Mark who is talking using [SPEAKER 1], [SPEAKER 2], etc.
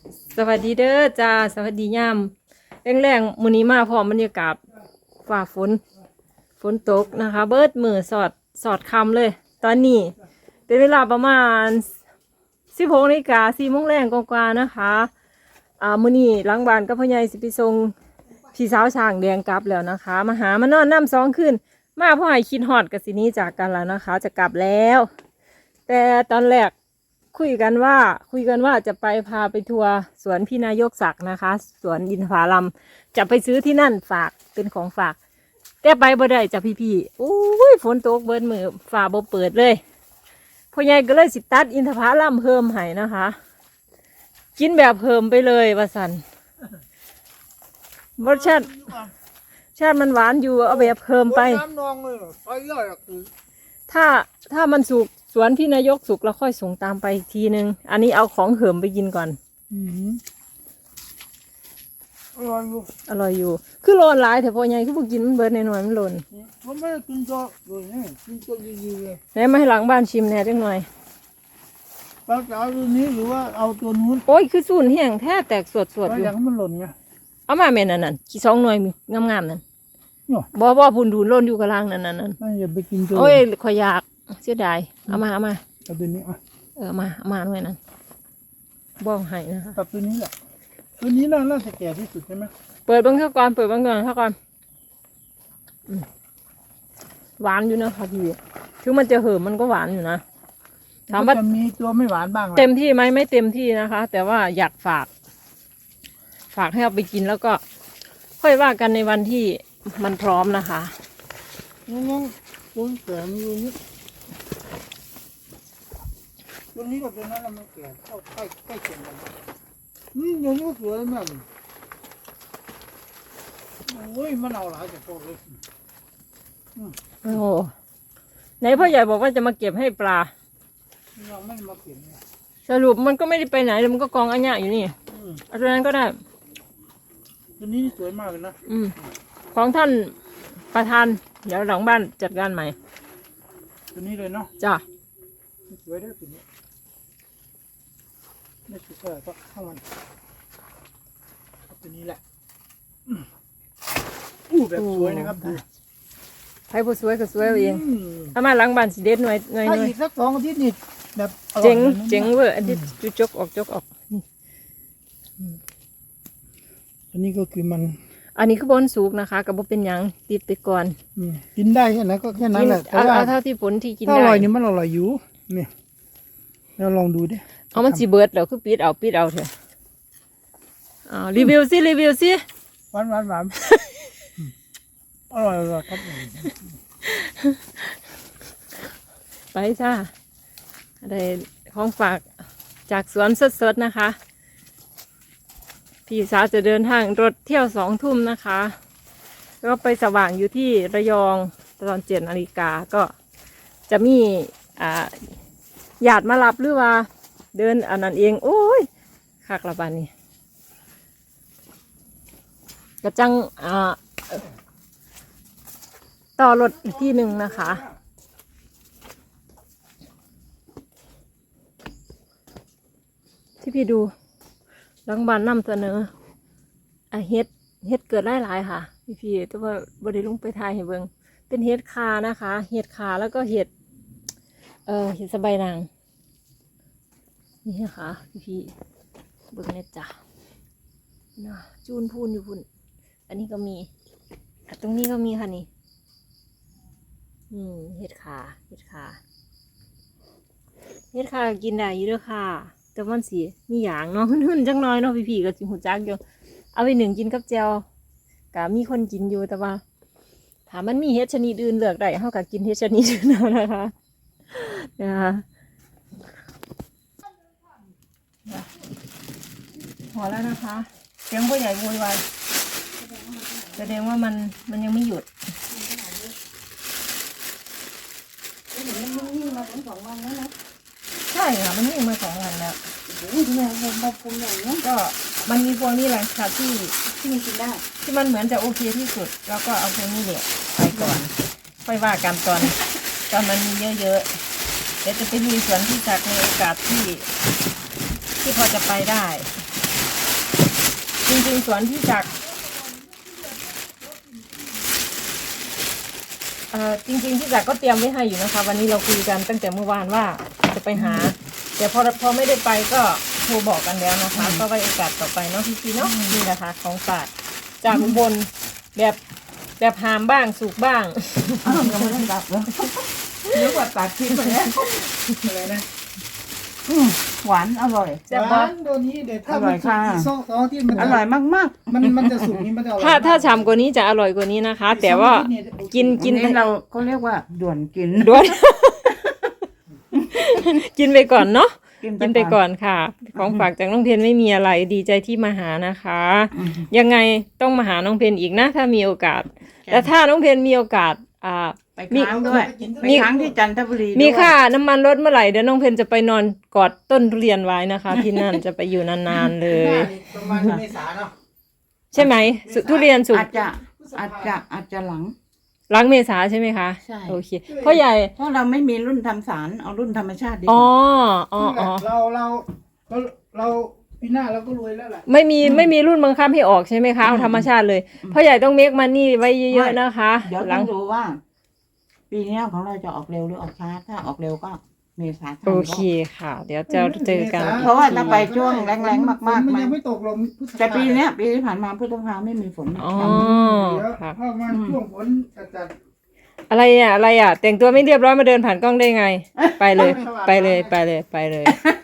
[SPEAKER 1] สวัสดีเด้อจ้าสวัสดียามแรงๆมื้อนี้มาพร้อมบรรยากาศฝ่าฝนตกนะคะ เบิดมือสอดคำเลย ตอนนี้เป็นเวลาประมาณ16 นาฬิกา4 โมงแรงกว่าๆนะคะมื้อนี้หลังบ้านกับพ่อใหญ่สิไปส่งพี่สาวช่างแดงกลับแล้วนะคะมาหามานอนน้ำ2 คืนมาพ่อให้คิดฮอดกับสินี้จากกันแล้วนะคะ จะกลับแล้ว แต่ตอนแรกคุยกันว่าจะพาไปทัวร์สวนพี่นายกศักดิ์นะคะสวนอินทผลัมจะไปซื้อที่นั่นฝากเป็นของฝากแต่ไปบ่ได้จ้ะพี่ๆโอ้ยฝนตกเบิดมือฝ่าบ่เปิดเลยพ่อใหญ่ก็เลยสิตัดอินทผลัมเพิ่มให้นะคะ กินแบบเพิ่มไปเลยว่าสันรสชาติมันหวานอยู่เอาแบบเพิ่มไปถ้ามันสุกสวนพี่นายกสุกแล้วค่อยส่งตามไปอีกทีนึงอันนี้เอาของเหิมไปกินก่อนอร่อยอยู่คือโลนหลายแต่พอใหญ่คือพวกกินมันเบิดในหน่อยมันโลน
[SPEAKER 2] ผมไม่ได้กินตัวเลยนี่กินตัวดีๆเลย
[SPEAKER 1] ไหนมาให้หลังบ้านชิมแหน่จังหน่อย
[SPEAKER 2] เราจะเอาตัวนี้หรือว่าเอาตัวนู้น
[SPEAKER 1] โอ้ยคือสูนแห้งแท้แตกสดอยู่
[SPEAKER 2] อย่างมันหล่นไง
[SPEAKER 1] เอามาแม่นั่นกี่2 หน่วยงามๆนั่นบ่พูนดูนโลนอยู่กลางนั่น
[SPEAKER 2] ไม่อย่าไปกินตัว
[SPEAKER 1] โอ้ยข่อยอยากเสียดายเอามา
[SPEAKER 2] เอาตัวนี้
[SPEAKER 1] มาหน่วยนั้นบ้องให้นะคะ
[SPEAKER 2] ตัดตัวนี้แหละตัวนี้น่าจะแก่ที่สุดใช่ไหม
[SPEAKER 1] เปิดเบิ่งเท่าก่อนหวานอยู่นะคะพี่ถึงมันจะเหิมมันก็หวานอยู่นะ
[SPEAKER 2] ถามว่าจะมีตัวไม่หวานบ้าง
[SPEAKER 1] เต็มที่ไหมไม่เต็มที่นะคะ แต่ว่าอยากฝากให้เอาไปกินแล้วก็ค่อยว่ากันในวันที่มันพร้อมนะคะ
[SPEAKER 2] น้องตัวแก่มีตัวนี้ตัวนี้กับตัวนั้นมันแก่เข้าใกล้เคียงกันอย่างนี้ก็สวยมากโอ้ยมันเอาหลายจากพวกเลย
[SPEAKER 1] โอ้ไหนพ่อใหญ่บอกว่าจะมาเก็บให้ปลา
[SPEAKER 2] ยังไม่มาเก็บ
[SPEAKER 1] สรุปมันก็ไม่ได้ไปไหนเลยมันก็กองอัญญะอยู่นี่เอาตัวนั้นก็ได้
[SPEAKER 2] ตัวนี้สวยมากเลยนะ
[SPEAKER 1] ของท่านประธานเดี๋ยวหลังบ้านจัดการใหม่
[SPEAKER 2] ตัวนี้เลยเนาะ
[SPEAKER 1] จ้ะ
[SPEAKER 2] สวยด้วยตัวนี้ไม่สวยก็เข้ามันตัวนี้แหละแบบสวยนะครับดู
[SPEAKER 1] ใครผู้สวยก็สวยเองถ้ามาหลังบ้านสิเด็ดหน่อย
[SPEAKER 2] ถ้าอีกสัก2 อาทิตย์นี่แบบ
[SPEAKER 1] เจ๋งเวอร์อันที่จกออก
[SPEAKER 2] อันนี้ก็คือมัน
[SPEAKER 1] อันนี้คือบนสุกนะคะกับบ่เป็นหยังติดไปก่อน
[SPEAKER 2] กินได้แค่ไหนก็แค่นั้นแหละ
[SPEAKER 1] เอาเท่าที่ผลที่กินได้
[SPEAKER 2] อร่อยนี่มันอร่อยอยู่นี่เราลองดูดิ
[SPEAKER 1] เอามันสิเบิดแล้วคือปิดเอาเถอะรีวิวสิ
[SPEAKER 2] หวานอร่อยครับ
[SPEAKER 1] ไปจ้าอะไรของฝากจากสวนสดๆนะคะพี่สาวจะเดินทางรถเที่ยว2 ทุ่มนะคะก็ไปสว่างอยู่ที่ระยองตอน7 นาฬิกาก็จะมีญาติมารับหรือว่าเดินอันนั้นเองโอ้ยคักละบานนี้กระจังต่อรถอีกที่หนึ่งนะคะที่พี่ดูหลังบ้านนำเสนอเฮ็ดเกิดหลายค่ะพี่แต่ว่าบริลุงไปถ่ายให้เบิ่งเป็นเฮ็ดคานะคะเฮ็ดคาแล้วก็เฮ็ดสะใบนางนี่นะคะพี่เบิ่งเนี่ยจ้ะนะจูนพูนอยู่พุ่นอันนี้ก็มีตรงนี้ก็มีค่ะนี่เห็ดขากินได้อยู่ด้วยค่ะแต่มันสีมีอย่างเนาะหุ่นจังน้อยเนาะพี่ๆก็จิหูจักอยู่เอาไป1กินกับแจวก็มีคนกินอยู่แต่ว่าถามมันมีเห็ดชนิดอื่นเลือกได้เฮาก็กินเห็ดชนิดอื่นเอานะคะพอแล้วนะคะเสียงพ่อใหญ่โวยวายแสดงว่ามันยังไม่หยุดใช่ค่ะมันนิ่งมา2 วันแล้วก็มันมีพวกนี้แหละค่ะที่มันกินได้ที่มันเหมือนจะโอเคที่สุดแล้วก็เอาพวกนี้เนี่ยไปก่อนค่อยว่ากันตอนมันมีเยอะๆเดี๋ยวจะไปมีสวนที่จากในโอกาสที่พอจะไปได้จริงๆสวนพี่จักรจริงๆพี่จักรก็เตรียมไว้ให้อยู่นะคะ วันนี้เราคุยกันตั้งแต่เมื่อวานว่าจะไปหา แต่พอไม่ได้ไปก็โทรบอกกันแล้วนะคะ ก็ไว้โอกาสต่อไปเนาะพี่เนาะนี่นะคะของฝากจากอุบลแบบหามบ้างสุกบ้าง
[SPEAKER 3] อ้าวยังไม่ได้ตัดเลยเยอะกว่าตัดทิ้งไปแล้ว
[SPEAKER 2] อะไรนะ
[SPEAKER 3] หวานอร่อย
[SPEAKER 1] แซ่บ
[SPEAKER 2] ห
[SPEAKER 1] บ่
[SPEAKER 2] วานตัวนี้เดี๋ยวถ้า
[SPEAKER 3] อร่
[SPEAKER 2] มั
[SPEAKER 3] อน ย
[SPEAKER 2] สุก
[SPEAKER 3] ค่ะ
[SPEAKER 2] อีกสองที่มัน
[SPEAKER 3] อร่อยมาก
[SPEAKER 2] มันจะสุกนี่มันจะอร่อย
[SPEAKER 1] ถ้าฉ่ำกว่านี้จะอร่อยกว่านี้นะคะ แต่ว่ากิน
[SPEAKER 3] ๆ
[SPEAKER 1] กิน
[SPEAKER 3] นี่เราก็เรียกว่าด่วนกิน
[SPEAKER 1] ด้วย กินไปก่อนเนาะกินไปก่อนค่ะ ของฝากจากน้องเพนไม่มีอะไรดีใจที่มาหานะคะ ยังไงต้องมาหาน้องเพนอีกนะ ถ้ามีโอกาส แต่ถ้าน้องเพนมีโอกาส
[SPEAKER 3] ไปค้างด้วยไปค้างที่จันทบุรีด้วย
[SPEAKER 1] มีค่าน้ำมันรถเมื่อไหร่เดี๋ยวน้องเพนจะไปนอนกอดต้นทุเรียนไว้นะคะ ที่นั่นจะไปอยู่นานๆเลย
[SPEAKER 2] ประมาณเมษาเนาะ
[SPEAKER 1] ใช่ไหมทุเรียนสุก
[SPEAKER 3] อาจจะหลัง
[SPEAKER 1] หลังเมษาใช่ไหมคะ
[SPEAKER 3] ใช่
[SPEAKER 1] โอเคพ่อใหญ่
[SPEAKER 3] เพราะเราไม่มีรุ่นทำสารเอารุ่นธรรมชาติดีก
[SPEAKER 1] อ๋อ
[SPEAKER 3] ว่า
[SPEAKER 1] อ๋ออ๋อ
[SPEAKER 2] เราปีหน้าเราก็รวยแล้วแหละ
[SPEAKER 1] ไม่มีรุ่นบังคับให้ออกใช่ไหมคะเอาธรรมชาติเลยพ่อใหญ่ต้องเมคมันนี่ไว้เยอะๆนะคะ
[SPEAKER 3] เดี๋ยว
[SPEAKER 1] หลั
[SPEAKER 3] ต้อง งดูว่า ปีนี้ของเราจะออกเร็วหรือออกช้า ถ้าออกเร็วก็เมษา
[SPEAKER 1] โอเคค่ะ เดี๋ยวจะเจอกัน
[SPEAKER 3] เพราะว่าถ้าไปช่วงแรงๆมากๆ
[SPEAKER 2] มัน
[SPEAKER 3] มั
[SPEAKER 2] ยัง
[SPEAKER 3] น
[SPEAKER 2] ไม่ตกลงพฤษภา
[SPEAKER 3] แต่ปีเนี้ยปีที่ผ่านมาพฤษภาไม่มีฝน
[SPEAKER 1] อ๋อ
[SPEAKER 2] เดี๋ยว
[SPEAKER 1] ค่ะ
[SPEAKER 2] เพราะมันช่วงฝนจัด
[SPEAKER 1] อะไรอ่ะแต่งตัวไม่เรียบร้อยมาเดินผ่านกล้องได้ไง ไปเลย ไปเลย